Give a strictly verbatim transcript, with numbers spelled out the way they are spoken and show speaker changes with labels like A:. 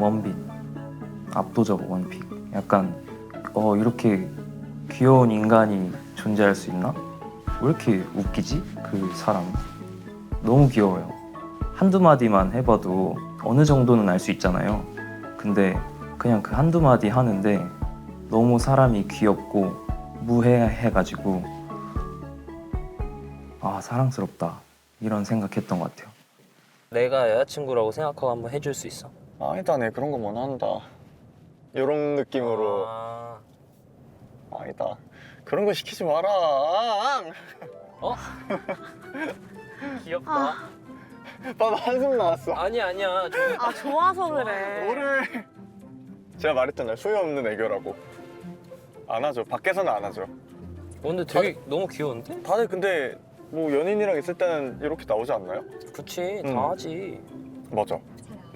A: 원빈. 압도적 원픽. 약간 어 이렇게 귀여운 인간이 존재할 수 있나? 왜 이렇게 웃기지? 그 사람 너무 귀여워요. 한두 마디만 해봐도 어느 정도는 알 수 있잖아요. 근데 그냥 그 한두 마디 하는데 너무 사람이 귀엽고 무해해가지고 아 사랑스럽다 이런 생각했던 것 같아요.
B: 내가 여자친구라고 생각하고 한번 해줄 수 있어?
C: 아니다, 내 그런 거 원한다. 이런 느낌으로.
B: 아...
C: 아니다. 그런 거 시키지 마라.
B: 어? 귀엽다.
D: 아.
C: 봐봐, 한숨 나왔어.
B: 아니 아니야. 저...
D: 아 좋아서 그래.
C: 너를 제가 말했잖아요. 소유 없는 애교라고. 안 하죠. 밖에서는 안 하죠.
B: 어, 근데 되게 너무 귀여운데?
C: 다들 근데 뭐 연인이랑 있을 때는 이렇게 나오지 않나요?
B: 그치,
C: 음.
B: 다 하지.
C: 맞아.